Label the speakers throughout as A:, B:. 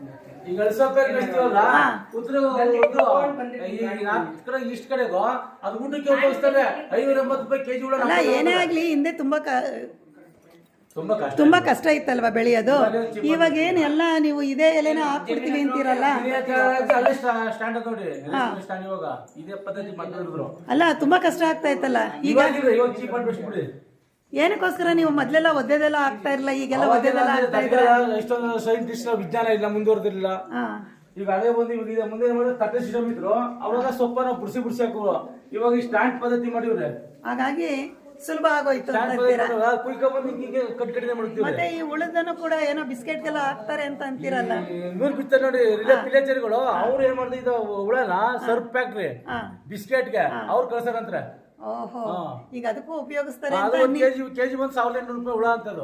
A: ಈಗ ಅಳಸಪ್ಪೆ ಬೆಳೆಸ್ತೀವಲ್ಲ ಉತ್ತರ ಇಷ್ಟ ಕಡೆಗೋ ಅದು ಊಟಕ್ಕೆ ಉಪಯೋಗಿಸ್ತಾರೆ 580 ರೂಪಾಯಿ ಕೆಜಿ ಉಳ್ಳ.
B: ಅಲ್ಲ ಏನೇ ಆಗ್ಲಿ ಹಿಂದೆ ತುಂಬಾ ಕಷ್ಟ ಇತ್ತಲ್ವಾ ಬೆಳೆಯೋದು. ಇವಾಗ ಏನ್ ಎಲ್ಲ ನೀವು ಇದೇ ಎಲೆನ ಹಾಕ್ಬಿಡ್ತೀವಿ ಅಂತೀರಲ್ಲ. ಅಲ್ಲ ತುಂಬಾ ಕಷ್ಟ ಆಗ್ತಾ ಇತ್ತಲ್ಲ. ಈಗ ಏನಕ್ಕೋಸ್ಕರ ನೀವು ಮೊದ್ಲೆಲ್ಲ ಒದ್ದೆದೆಲ್ಲ ಆಗ್ತಾ ಇರಲ್ಲ, ಈಗೆಲ್ಲ ಒದ್ದೆದೆಲ್ಲ ಆಗ್ತಾ ಇದ್ರ.
A: ಎಷ್ಟೊಂದು ಸೈಂಟಿಸ್ಟ್ ವಿಜ್ಞಾನ ಇಲ್ಲ, ಮುಂದುವರೆದಿಲ್ಲ. ಈಗ ಅದೇ ಬಂದು ಇವಾಗ ಮುಂದೆ ತಟ್ಟೆ ಸಿಸ್ಟಮ್ ಇದ್ರು, ಅವಾಗ ಸೊಪ್ಪನ ಬುಡ್ಸಿ ಹಾಕುವ. ಇವಾಗ ಈ ಸ್ಟ್ಯಾಂಡ್ ಪದ್ಧತಿ ಮಾಡಿವ್ರೆ,
B: ಹಾಗಾಗಿ ಸುಲಭ ಆಗೋಯ್ತು. ಮತ್ತೆ ಈ ಉಳಿದನ್ನು ಕೂಡ ಏನೋ ಬಿಸ್ಕೆಟ್ಗೆಲ್ಲ ಹಾಕ್ತಾರೆ ಅಂತ ಅಂತೀರಲ್ಲ.
A: ನೂರು ಬಿತ್ತಾರೆ ನೋಡಿ ವಿಲೇಜರ್ಗಳು, ಅವ್ರು ಏನ್ ಮಾಡ್ತಾರೆ ಇದು ಹುಳನ ಸರ್ಫ್ ಫ್ಯಾಕ್ಟ್ರಿ ಬಿಸ್ಕೆಟ್ಗೆ ಅವ್ರು ಕಳ್ಸಾರಂತಾರೆ.
B: ಓಹೋ, ಈಗ ಅದಕ್ಕೂ ಉಪಯೋಗಿಸ್ತಾರೆ.
A: ಕೆಜಿ ಬಂದು 1800 ರೂಪಾಯಿ ಹುಳ ಅಂತದ್ದು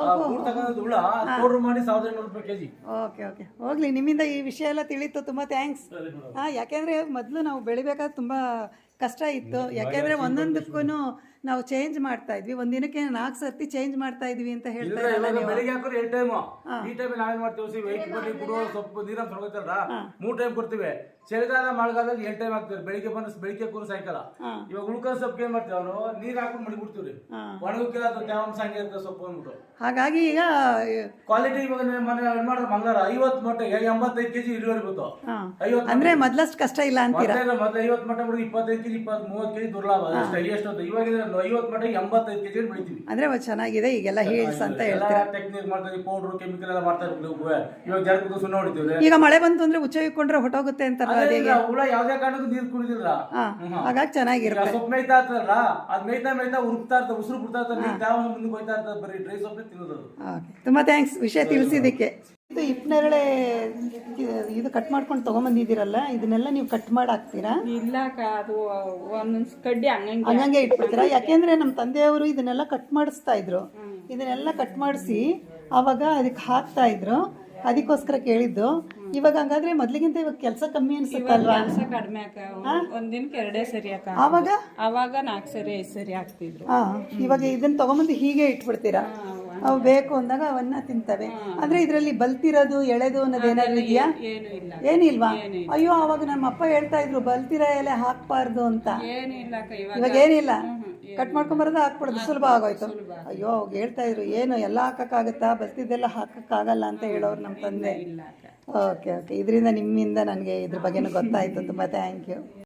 A: ಹುಳ ಪೌಡರ್ ಮಾಡಿ 1800 ರೂಪಾಯಿ ಕೆಜಿ.
B: ಓಕೆ ಓಕೆ, ಹೋಗ್ಲಿ, ನಿಮ್ಮಿಂದ ಈ ವಿಷಯ ಎಲ್ಲ ತಿಳಿತು, ತುಂಬಾ ಥ್ಯಾಂಕ್ಸ್. ಯಾಕೆಂದ್ರೆ ಮೊದಲು ನಾವು ಬೆಳಿಬೇಕಾದ್ರೆ ತುಂಬಾ ಕಷ್ಟ ಇತ್ತು. ಯಾಕೆಂದ್ರೆ ಒಂದೊಂದಕ್ಕೂ ನಾವು ಚೇಂಜ್ ಮಾಡ್ತಾ ಇದ್ವಿ, ಒಂದಿನಕ್ಕೆ 4 ಸರ್ತಿ ಚೇಂಜ್ ಮಾಡ್ತಾ ಇದ್ವಿ ಅಂತ ಹೇಳ್ತಾ ಇರಲ್ಲ.
A: ಬೆಳಿಗ್ಗೆ ಹಾಕೋರು 2 ಟೈಮ್, ಈ ಟೈಮ್ ನಾವೇನ್ ಮಾಡ್ತೀವಿ, ವೆಯ್ಟ್ ಮಾಡಿ ಬಿಡುವ ಸೊಪ್ಪು ನೀರ ತೊಗೊಳ್ತಾರ 3 ಟೈಮ್ ಕೊಡ್ತೀವಿ. ಚಳಿಗಾಲ ಮಳೆಗಾಲದಲ್ಲಿ 2 ಟೈಮ್ ಹಾಕ್ತಿವಿ, ಬೆಳಿಗ್ಗೆ ಬಂದು ಬೆಳಿಗ್ಗೆ ಕೂರು ಸಾಯಂಕಾಲ. ಇವಾಗ ಉಳ್ಕೊಂಡ್ ಸೊಪ್ಪು ಏನ್ ಮಾಡ್ತೀವಿ, ಅವರು ನೀರ್ ಹಾಕೊಂಡು ಮಡಿ ಬಿಡ್ತೀವ್ರಿ, ಒಣಗಕ್ಕಿಲ್ಲ ತೇವಾಂಶ ಹಂಗೆ ಇರ್ತದೆ ಸೊಪ್ಪು ಅಂದ್ಬಿಟ್ಟು.
B: ಹಾಗಾಗಿ ಈಗ
A: ಕ್ವಾಲಿಟಿ ಇವಾಗ ಮನೆ ಮಾಡಿದ್ರೆ ಮಂಗಳವಾರ 50 ಮೊಟ್ಟೆಗೆ 85 ಕೆಜಿ ಇಳುವರಿ ಬಂತು.
B: 50 ಅಂದ್ರೆ ಮೊದ್ಲಷ್ಟು ಕಷ್ಟ ಇಲ್ಲ ಅಂತೀರಾ?
A: ಮೊದಲು 50 ಮೊಟ್ಟೆ ಬಿಡಿ 25 ಕೆಜಿ 30 ಕೆಜಿ ದುರ್ಲಾಭ ಎಷ್ಟು. ಇವಾಗ 50 ಮೊಟ್ಟೆ 85 ಕೆಜಿ ಬೆಳಿತೀವಿ.
B: ಅಂದ್ರೆ ಚೆನ್ನಾಗಿದೆ ಈಗೆಲ್ಲ ಹೀಲ್ಸ್ ಅಂತ ಹೇಳ್ತೀರಾ.
A: ಟೆಕ್ನಿಕ್ ಮಾಡ್ತೀವಿ, ಪೌಡರ್ ಕೆಮಿಕಲ್ ಎಲ್ಲ ಮಾಡ್ತಾ ಇರ್ತೀವಿ. ಇವಾಗ ಜಾರಕ್ಕೆ ಸುಣ್ಣ ಹೊಡಿತೀವಿ.
B: ಈಗ ಮಳೆ ಬಂತು ಅಂದ್ರೆ ಉಚ್ಚ ಇಟ್ಕೊಂಡ್ರೆ ಹೊಟ್ಟೋಗುತ್ತೆ ಅಂತಾರಲ್ಲ,
A: ಹುಳ ಯಾವ್ದೇ ಕಾರಣಕ್ಕೂ ನೀರು ಕುಡಿದಿಲ್ಲ,
B: ಹಾಗಾಗಿ ಚೆನ್ನಾಗಿರುತ್ತೆ.
A: ಸೊಪ್ಪು ಮೇಯ್ತಾ ಇರ್ತದಲ್ಲ, ಅದ್ ಮೇಯ್ತಾ ಉರುಕ್ತಾ ಇರ್ತದೆ, ಉಸಿರು ಬಿಡ್ತಾ ಇರ್ತದೆ, ಮುಂದೆ ಹೋಯ್ತಾ ಇರ್ತದೆ, ಬರೀ ಡ್ರೈ ಸೊಪ್ಪೆ ತಿನ್ನೋದು.
B: ತುಂಬಾ ಥ್ಯಾಂಕ್ಸ್ ವಿಷಯ ತಿಳಿಸಿದ್ದಕ್ಕೆ. ಇದು ಹಿಪ್ಪನೇರಳೆ ಇದು ಕಟ್ ಮಾಡ್ಕೊಂಡು ತಗೊಂಬಂದಿದ್ದೀರಲ್ಲ, ಇದನ್ನೆಲ್ಲ ನೀವು ಕಟ್ ಮಾಡಿ ಹಾಕ್ತೀರಾ?
C: ಇಲ್ಲ, ಅದು ಒಂದೊಂದು ಕಡ್ಡಿ
B: ಹಂಗಂಗೆ ಇಟ್ಬಿಡ್ತೀರಾ? ಯಾಕೆಂದ್ರೆ ನಮ್ಮ ತಂದೆಯವರು ಇದನ್ನೆಲ್ಲ ಕಟ್ ಮಾಡಿಸ್ತಾ ಇದ್ರು. ಇದನ್ನೆಲ್ಲ ಕಟ್ ಮಾಡಿಸಿ ಅವಾಗ ಅದಕ್ಕೆ ಹಾಕ್ತಾ ಇದ್ರು, ಅದಕ್ಕೋಸ್ಕರ ಕೇಳಿದ್ದು. ಇವಾಗ ಹಂಗಾದ್ರೆ ಮೊದ್ಲಿಗಿಂತ ಇವಾಗ ಕೆಲಸ ಕಮ್ಮಿ ಅನ್ಸುತ್ತಲ್ವಾ?
C: ಕೆಲಸ ಕಡಿಮೆ ಅಕ್ಕ, ಒಂದಿನಕ್ಕೆ 2 ಸರಿ ಅಕ್ಕ. ಅವಾಗ 4 ಸರಿ 5 ಸರಿ ಹಾಕ್ತಿದ್ರು.
B: ಇವಾಗ ಇದನ್ನ ತಗೊಂಬಂದು ಹೀಗೆ ಇಟ್ಬಿಡ್ತೀರಾ? ಅವು ಬೇಕು ಅಂದಾಗ ಅವನ್ನ ತಿಂತವೆ. ಅಂದ್ರೆ ಇದರಲ್ಲಿ ಬಲ್ತಿರೋದು ಎಳೆದು ಅನ್ನೋದು ಏನಾದ್ರು ಇದೆಯಾ? ಏನಿಲ್ವಾ? ಅಯ್ಯೋ, ಅವಾಗ ನಮ್ಮ ಅಪ್ಪ ಹೇಳ್ತಾ ಇದ್ರು ಬಲ್ತಿರೋ ಎಲೆ ಹಾಕ್ಬಾರ್ದು ಅಂತ. ಇವಾಗ ಏನಿಲ್ಲ, ಕಟ್ ಮಾಡ್ಕೊಂಬರೋದು ಹಾಕ್ಬಿಡೋದು, ಸುಲಭ ಆಗೋಯ್ತು. ಅಯ್ಯೋ, ಅವಾಗ ಹೇಳ್ತಾ ಇದ್ರು ಏನು ಎಲ್ಲ ಹಾಕಕ್ಕಾಗತ್ತಾ, ಬಲ್ತಿದ್ದೆಲ್ಲ ಹಾಕಕ್ಕಾಗಲ್ಲ ಅಂತ ಹೇಳೋರು ನಮ್ಮ ತಂದೆ. ಓಕೆ ಓಕೆ, ಇದರಿಂದ ನಿಮ್ಮಿಂದ ನನಗೆ ಇದ್ರ ಬಗ್ಗೆನೂ ಗೊತ್ತಾಯ್ತು. ತುಂಬ ಥ್ಯಾಂಕ್ ಯು.